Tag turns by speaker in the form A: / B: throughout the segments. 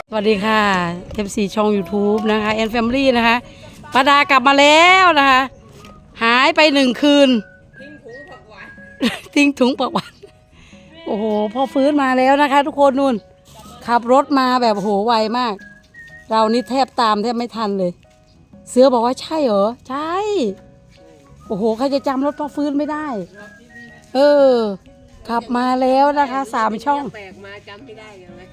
A: สวัสดีค่ะ FC ช่อง YouTube นะคะแอนแฟมิลี่นะคะป้าดากลับมาแล้วนะคะ หายไป1 คืน ทิ้งถุงผักหวานโอ้โหพอฟื้นมาแล้วนะคะ ทุกคนนู่นขับรถมาแบบโหไวมาก เรานี่แทบตามแทบไม่ทันเลย เสือบอกว่าใช่เหรอ ใช่ โอ้โหใครจะจำรถพอฟื้นไม่ได้ เออ ขับมาแล้วนะคะ3 ช่อง
B: แปลกมาจำไม่ได้ยังไง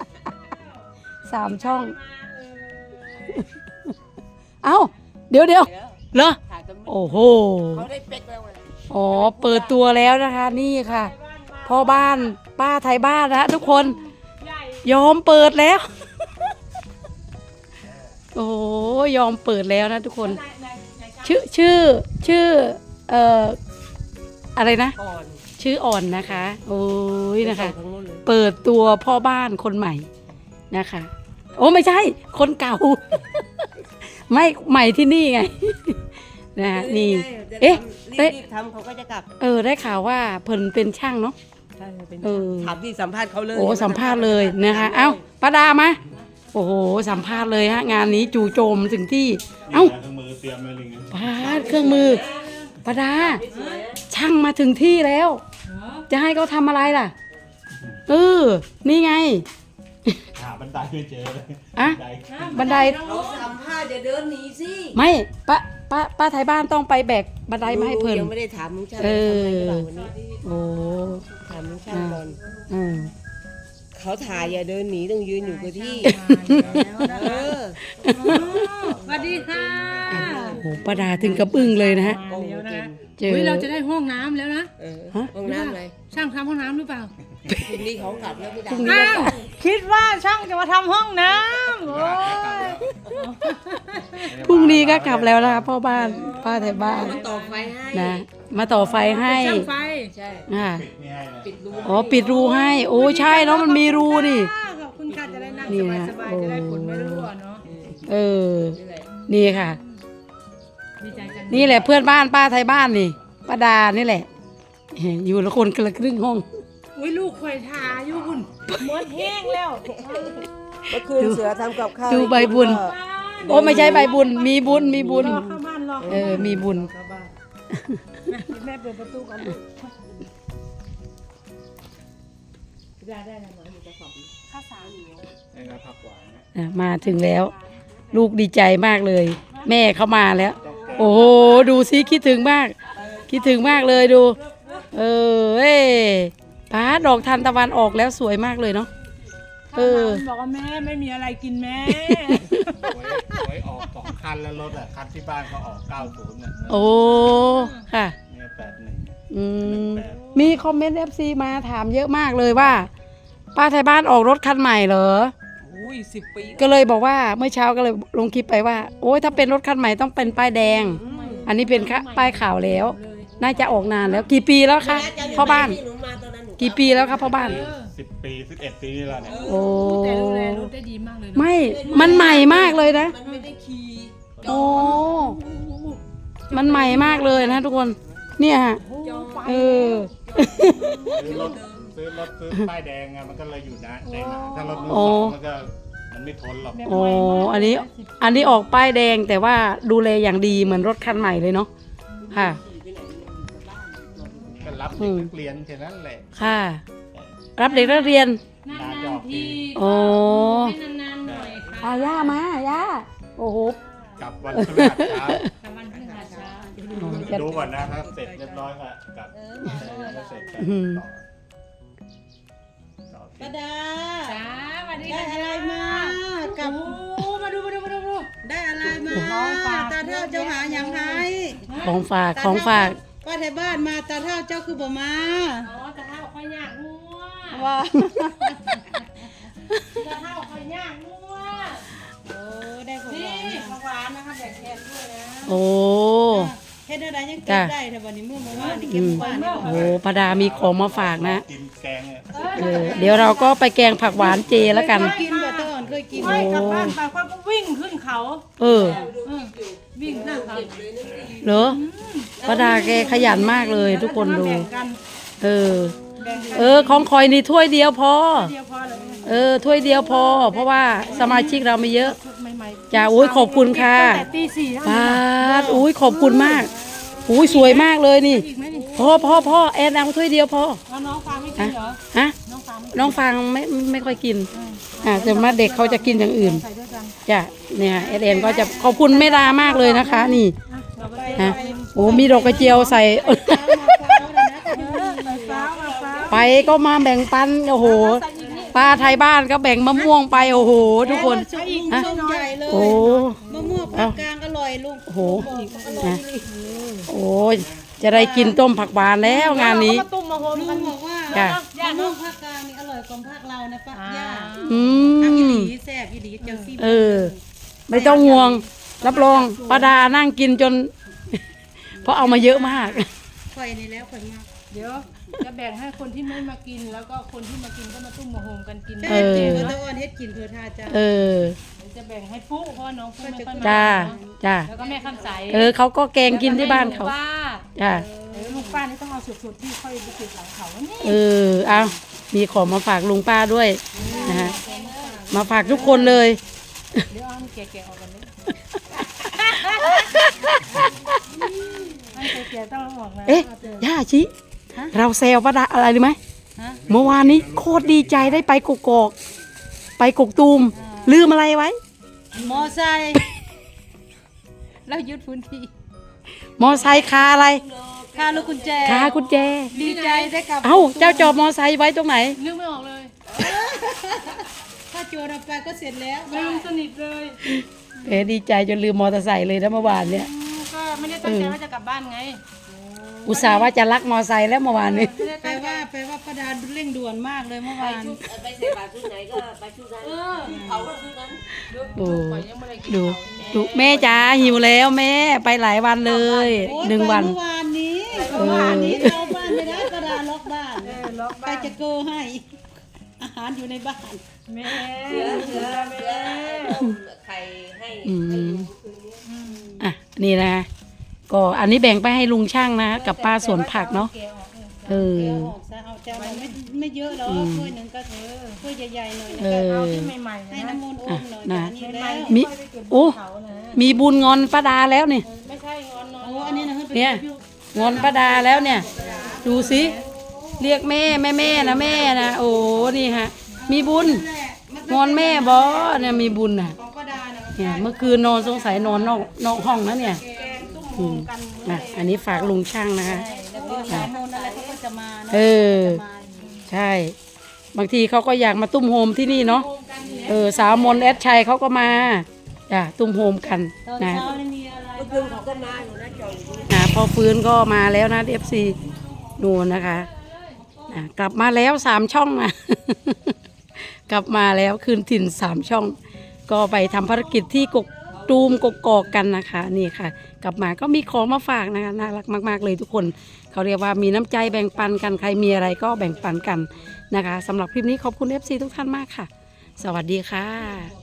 A: 3 ช่อง เอ้าเดี๋ยวเหรอ
B: ถ่ายจน
A: โอ้โห
B: เขาได้เป๊กแล้วไง
A: อ๋อเปิดตัวแล้วนะคะนี่ค่ะพ่อบ้านป้าไทยบ้านนะทุกคนยอมเปิดแล้ว โอ้โหยอมเปิดแล้วนะทุกคน ชื่ออะไรนะ
B: อ่อน
A: ชื่ออ่อนนะคะโอ้ยนะคะ
B: ทั้งนู้นเลย
A: เปิดตัวพ่อบ้านคนใหม่นะคะ โอ้ไม่ใช่คนเก่า ไม่ใหม่ที่นี่ไง นะนี่ เอ๊ะ
B: รีบทำเขาก็จะกลับ
A: ได้ข่าวว่าเพิ่นเป็นช่างเนาะ
B: ใช่เป็น
A: เออ
B: ถามที่สัมภาษณ์เขาเลย
A: โอ้สัมภาษณ์เลยนะคะ เอ้าป้าดามาโอ้โหสัมภาษณ์เลยฮะงานนี้จู่โจมถึงที่ เอ้า
C: เครื่องมือเตรียมไว้เลยไง
A: ป้าดเครื่องมือป้าดาช่างมาถึงที่แล้ว จะให้เขาทำอะไรล่ะนี่ไง
C: หาบันไดไม่เจอเลย
A: อะ บันได
B: เขาสัมภาษณ์อย่าเดินหนีสิ
A: ไม่ป้าไทยบ้านต้องไปแบกบันไดมาให้เพิ่น
B: ยังไม่ได้ถามลุงช่าง
A: เออ
B: ทำไมหรือเปล่าวันนี้
A: โอ้
B: ถามลุงช่างก่อน
A: อืม
B: เขาถ่ายอย่าเดินหนีต้องยืนอยู่กับที่เออ
D: สวัสดีค่ะ
A: โอ้โหป้าดาถึงกับอึ้งเลยนะฮะ
B: โอ้โห
D: แล้วนะ
A: เจอ
D: เฮ้ยเราจะได้ห้องน้ำแล้วนะ
B: เออ
A: ฮะ
B: ห้องน้ำอะไร
D: ช่างทำห้องน้ำหรือเปล่า
B: คุณนี่เขากลับแล้วไม่ได้
D: อ้าวคิดว่าช่างจะมาทำห้องน้ำโอ้ย
A: พรุ่งนี้ก็กลับแล้วนะคะพ่อบ้านป้าไทยบ้าน
B: มาต่อไฟให้
A: นะมาต่อไฟให้
D: ช่างไฟ
B: ใช่
A: อ่า
C: ปิดนี่ให้เลย
B: ปิดรู
A: อ๋อปิดรูให้ โอ้ใช่เนาะมันมีรูนี่
D: ขอบคุณค่ะจะได้นั่ง
A: นี่นะ
D: สบายๆจะได้ฝนไม่รั่วเนาะ
A: เออ
B: นี่แหละ
A: นี่ค่ะ
D: ดีใจจัง
A: นี่แหละเพื่อนบ้านป้าไทยบ้านนี่ป้าดานี่แหละ อยู่ละคนคนละครึ่งห้อง
D: อุ้ยลูกข่อยทาอยู่คุณหมดแห้งแล้ว
B: เมื่อคืนเสือทำกับข้าว
A: ดูใบบุญ โอ้ไม่ใช่ใบบุญ มีบุญมีบุญ
D: รอเข้าบ้านรอเข้า
A: เออมีบุญ
D: เข้าบ้านแม่เปิดประตูก่อนลูกได้นะหมออยู่กระสอบข้าวสารอยู่
C: นี่ก็ผักหวานนะ
A: มาถึงแล้ว ลูกดีใจมากเลย แม่เขามาแล้ว โอ้โหดูซิคิดถึงมาก คิดถึงมากเลยดู ป้าดอกทานตะวันออกแล้วสวยมากเลยเนาะ
D: บอกว่าแม่ไม่มีอะไรกินแม่
C: ไว้ออก2 คันแล้วรถอ่ะคันที่บ้านเขาออก90เนี่ย
A: โอ้ค่ะ
C: เนี่ย81
A: อืมมีคอมเมนต์ FC มาถามเยอะมากเลยว่า ป้าไทยบ้านออกรถคันใหม่เหรอ
B: อุ้ย10 ปี
A: ก็เลยบอกว่าเมื่อเช้าก็เลยลงคลิปไปว่า โอ้ยถ้าเป็นรถคันใหม่ต้องเป็นป้ายแดง อันนี้เป็นป้ายขาวแล้ว น่าจะออกนานแล้วกี่ปีแล้วคะพ่อบ้าน
B: หนูมาตอนนั้นหนู
A: กี่ปีแล้วครับพ่อบ้าน
C: 10 ปี11 ปีนี่แล้วเนี่ย
A: โอ้
D: แต่ดูแลรถได้ดีมากเลยเนอะ
A: ไม่มันใหม่มากเลยนะ
B: มันไม่ได้ขี่
A: โอ้มันใหม่มากเลยนะทุกคนเนี่ยฮะเออ
C: ซื้อป้ายแดงไงมันก็เลยอยู่นะได้นานถ้ารถมือสองมันไม่ทนหรอก
A: โอ้อันนี้ออกป้ายแดงแต่ว่าดูแลอย่างดีเหมือนรถคันใหม่เลยเนาะค่ะ
C: ก็รับเด็กนักเรียนแค่นั้นแหละ
A: ค่ะ รับเด็กนักเรียน
D: นานๆที
A: โอ้
D: ให้นานๆหน่อยค่ะ
A: อาย่ามาย่าโอ้โห
C: กลับวันพฤหัสเช้า
D: แต่วันพฤหัสเช้า
C: ดูก่อนนะถ้าเสร็จเรียบร้อยก็กลับถ้าเสร็จก็ต่อ
B: ป้าดา
D: จ้าสวัสดี
B: ได้
D: ค่ะ
B: อะไรมากับ
D: โอ้มาดู
B: ได้อะไรมา
D: ของฝาก
B: ตาเท่าเจ้าหาอย่างไร
A: ของฝากของฝาก
B: ป้าไทยบ้านมาตาเท่าเจ้าคือบ่มา
D: อ๋อแต่ถ้าค่อยยากงัว
B: ว่า
D: แต่ถ้าค่อยยากงัว
B: โอ้ได้ของ
D: นี่
B: หวาน
D: ของหวานนะคะแบ่งแทนด้วยนะ
A: โอ้
B: เฮ็ดอะไรยังเก็บได้แต่วันนี้เมื่อวานนี่เก็บบ้านนี่
A: โอ้พดามีของมาฝากนะ
C: กินแกงเนี่ย
A: เดี๋ยวเราก็ไปแกงผักหวานเจแล้วกัน
B: กินบ่ตอนเคยกิน
D: ไม่กลับบ้านไปค่อยก็วิ่งขึ้นเขา
A: เออ
D: วิ่งขึ้นเขา
A: เหรอพดาแกขยันมากเลยทุกคนดู
D: แบ่งกัน
A: เออ
D: แบ่งกัน
A: ของคอยนี่ถ้วยเดียวพอ
D: เดียวพอเลย
A: เอถ้วยเดียวพอ เพราะว่าสมาชิกเราไม่เยอะ
D: ใหม่ๆ
A: จ้าอุ้ยขอบคุณค่ะ
D: ตั้งแต่ตีสี่แล้ว
A: ปาดอุ้ยขอบคุณมากอุ้ยสวยมากเลยนี่
D: อีกไหมนี่
A: พ่อแอนเอาถ้วยเดียวพอ
D: แล้วน้องฟางไม่กินเหรอ
A: ฮะ
D: น้องฟางไม่
A: น้องฟังไม่ค่อยกินแต่มาเด็กเขาจะกินอย่างอื่น
D: ใส่ด้วยกัน
A: จ้ะเนี่ยเอ็นก็จะขอบคุณแม่ดามากเลยนะคะ นี่
D: เราไป
A: ฮะโอ้มีดอกกระเจียวใส่
D: ใส่ฟ้ามาฟ้า
A: ไปก็มาแบ่งปันโอ้โหป้าไทยบ้านก็แบ่งมะม่วงไปโอ้โห ทุกคน
D: อีก
A: ฮะ
D: ช่องใหญ่เลย
A: โอ้
B: มะม่วงภาคกลางอร่อยลุง
A: โอ้โหนะโอ้ยจะได้กินต้มผักหวานแล้วงานนี้
D: มาตุ้มมาโฮม
B: ลุ
D: กัน
B: งบอกว่า
A: จ้ะ
B: มะม่วงภาคกลางนี่อร่อยกว่าภาคเรานะป้าย่า
A: อื
B: ภาคอีห
A: ม
B: ลีแซ่บอีหลีเจ้าซี่
A: เออ ไม่ต้องห่วง รับรองป้าดานั่งกินจน เพราะเอามาเยอะมาก
B: ข่อยนี่แล้วข่อยมาก
D: เดี๋ยวจะแบ่งให้คนที่ไม่มากินแล้วก็คนที่มากินก็มาตุ้มมาโฮมกันกิน
B: แม่ตีก็ตะอ้อนเฮ็ดกินเพื่อทาจ้า
A: เออ
D: เดี๋ยวจะแบ่งให้ปุ๊เพราะว่าน้องปุ๊ไม่ค่อยมา
A: จ้า
D: เนอะ
A: จ้า
D: แล้วก็แม่คำใส
A: เขาก็แกงกินที่บ้านเขา
D: แล้วก็ให้ลุงป้า
A: จ้า
D: ลุงป้านี่ต้องเอาสุดๆที่ค่อยไปติดหลังเขาแล้วนี่
A: เอามีของมาฝากลุงป้าด้วยนะฮะ มาฝากทุกคนเลย
D: เดี๋ยวเอาอันแก่ๆออกกันเลยอันแก่ๆต้องเอาออกนะ
A: เอ๊ะ ย่าชิ เราแซวป้าดาอะไรรู้ไหม เมื่อวานนี้โคตรดีใจได้ไปกกอก ไปกกตูม ลืมอะไรไว้
B: มอไซค์แล้วยึดพื้นที่
A: มอไซค์คาอะไร
B: ค่าลูกกุญแจ
A: คากุญแจ
B: ดีใจได้กลับ
A: เอ้า เจ้าจอบมอไซค์ไว้ตรงไหน
D: นึกไม่ออกเลย
B: ถ้าโจรเอาไปก็เสร็จแล้ว
D: ลืมสนิทเลย
A: ดีใจจนลืมมอเตอร์ไซค์เลยนะเมื่อวานเนี่ย
D: ก็ไม่ได้ตั้งใจว่าจะกลับบ้านไง
A: อุตส่าห์ว่าจะลักมอไซค์แล้วเมื่อวานนี้
D: ไม่ได้
B: แปล
D: ตั้งใจ
B: ว่าป้าดาเร่งด่วนมากเลยเมื่อวาน
E: ไปใส่บาตรชุดไหนก็ไปชุดนั้นเขาก็ชุดนั้น
A: โอ้
D: ปล่อยยังไม่ได้กิน
A: ดู
D: เขา
A: ดูแม่จ๋าหิวแล้วแม่ไปหลายวันเลย
B: โอ๊ย
A: 1 วัน
B: ไปเมื่อวานนี้เมื่อวานนี้เราบ้านไม่ได้ป้าดาล็อกบ้าน
D: ล็อก
B: ไป
D: บ้าน
B: จะโกให้ อาหารอยู่ในบ้าน
D: แม่
E: เสือต้มไข่ให้
A: อื
E: ให้
A: ม
E: ดูคืนนี้
A: อ่ะนี่นะก็อันนี้แบ่งไปให้ลุงช่างนะกับป้าสวนผักเนาะ
D: แกออก
A: เอ
D: เออ
A: อ
B: เอาออกซะเอาจานเราไม่เยอะหรอกถ้วยหนึ่งก็ถ้วยใหญ่ๆหน่อย
A: เอ
B: นะ
A: อ
D: เอาที่ใหม่ๆ
B: ให้
D: นะ
B: น้ำมนต์โอมหน่อย
A: นะ
B: อันนี้แล้ว
A: มีโอ้
D: เขานะ
A: มีบุญงอนป้าดาแล้วนี่
D: ไม่ใช่งอนนอน
B: โอ้อันนี้นะให้ไป
A: เนี่ยงอนป้าดาแล้วเนี่ย ดูสิเรียกแม่นะแม่นะโอ้นี่ฮะ มีบุญงอนแม่บอเนี่ยมีบุญน่ะ
B: ของป้าดานะ
A: เนี่ยเมื่อคืนนอนสงสัยนอนนอกห้องนะเนี่ย
D: แกงตุ้มโฮ
A: อืม
D: มกัน
A: อ่ะอันนี้ฝากลุงช่างนะคะ
B: แล้วก็สายมนต์อะไรเขาก็จะมาเนาะ
A: เออ
B: มาอยู่
A: ใช่ บางทีเขาก็อยากมาตุ้มโฮมที่นี่เนาะสาวมนต์แอดชัยเขาก็มาจ้ะตุ้มโฮมกัน
B: ตอน
A: นะ
B: เช้านี่มีอะไร
E: เมื่อคืนเขาก็มาอยู่นะจอยอยู่
A: พอฟื้นก็มาแล้วนะ FC นูนนะคะกลับมาแล้ว3 ช่องนะ กลับมาแล้วคืนถิ่น3 ช่อง ก็ไปทำภารกิจที่กกตูมกกอกกันนะคะนี่ค่ะ กลับมาก็มีของมาฝากนะคะน่ารักมากๆเลยทุกคนเขาเรียกว่ามีน้ำใจแบ่งปันกันใครมีอะไรก็แบ่งปันกันนะคะสำหรับคลิปนี้ขอบคุณ FC ทุกท่านมากค่ะ สวัสดีค่ะ